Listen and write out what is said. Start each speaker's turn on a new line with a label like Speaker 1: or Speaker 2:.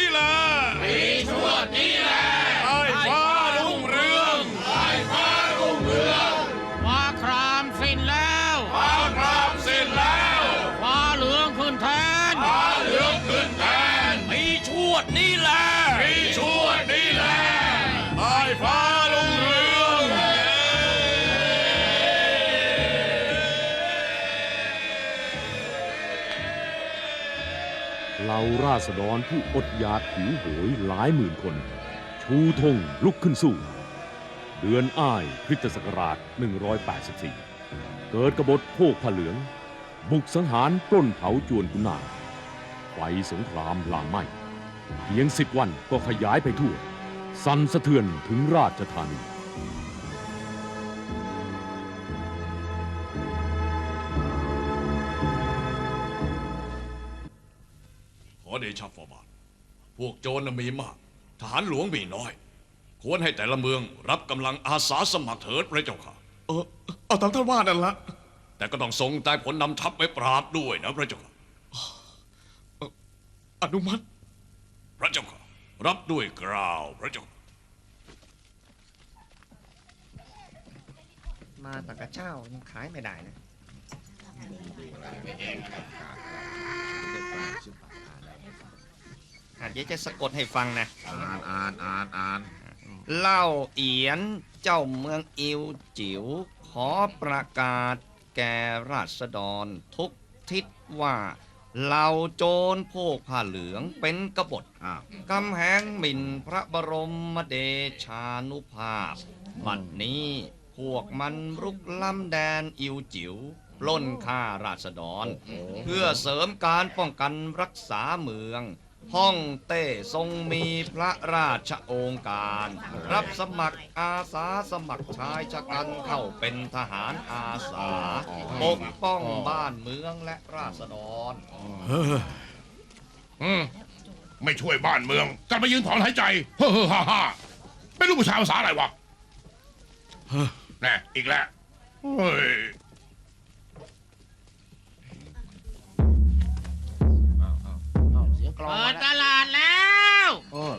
Speaker 1: แหละ
Speaker 2: ปีชวดนี้แหละ
Speaker 1: ใต้ฟ้ารุ่งเรือง
Speaker 2: ใต้ฟ้ารุ่งเรือง
Speaker 3: ฟ้าครามสิ้นแล้ว
Speaker 1: ฟ้าครามสิ้นแล้ว
Speaker 3: ฟ้าเหลืองขึ้นแทน
Speaker 1: ฟ้าเหลืองขึ้นแทน
Speaker 2: ปีชวดนี้แหละ
Speaker 1: ปีชวดนี้แหละใต้ฟ้ารุ่งเรือง
Speaker 4: เหล่าราษฎรผู้อดอยากหิวโหยหลายหมื่นคน ชูธงลุกขึ้นสู้ เดือนอ้ายคริสตศักราช 184 เกิดกบฏโภคผ้าเหลือง บุกสังหารปล้นเผาจวนกุนาไฟสงครามลามไหม้เพียง10 วันก็ขยายไปทั่ว สั่นสะเทือนถึงราชธานี
Speaker 1: ขอเดชะฝ่าบาทพวกโจรมีมากทหารหลวงมีน้อย ควรให้แต่ละเมืองรับกำลังอาสาสมัครเถิดพระเจ้าค่ะ
Speaker 5: เอาตามท่านว่านั่นละ
Speaker 1: แต่ก็ต้องส่งใต้ผลนำทัพไปปราบด้วยนะพระเจ้าค่ะ
Speaker 5: อนุมัติ
Speaker 1: พระเจ้าค่ะรับด้วยกล่าวพระเจ้า
Speaker 6: มาตะกะเจ้ายังขายไม่ได้นะเดี๋ยวจะสะกดให้ฟังนะ
Speaker 5: อ่าน
Speaker 6: เล่าเอียนเจ้าเมืองอิวจิ๋วขอประกาศแก่ราษฎรทุกทิศว่าเหล่าโจรพวกผ้าเหลืองเป็นกบฏกำแหงหมิ่นพระบรมเดชานุภาพบัดนี้พวกมันรุกล้ำแดนอิวจิ๋วปล้นฆ่าราษฎรเพื่อเสริมการป้องกันรักษาเมืองฮ่องเต้ทรงมีพระราชโองการ รับสมัครอาสาสมัครชายชะกันเข้าเป็นทหารอาสาปกป้องบ้านเมืองและราษฎร
Speaker 5: ไม่ช่วยบ้านเมืองกลับมายืนถอนหายใจเฮ้อฮ่าไม่รู้ผู้ชายภาษาอะไรวะแน่อีกแล้วเฮ้ย
Speaker 3: เปิดตลาดแล้ว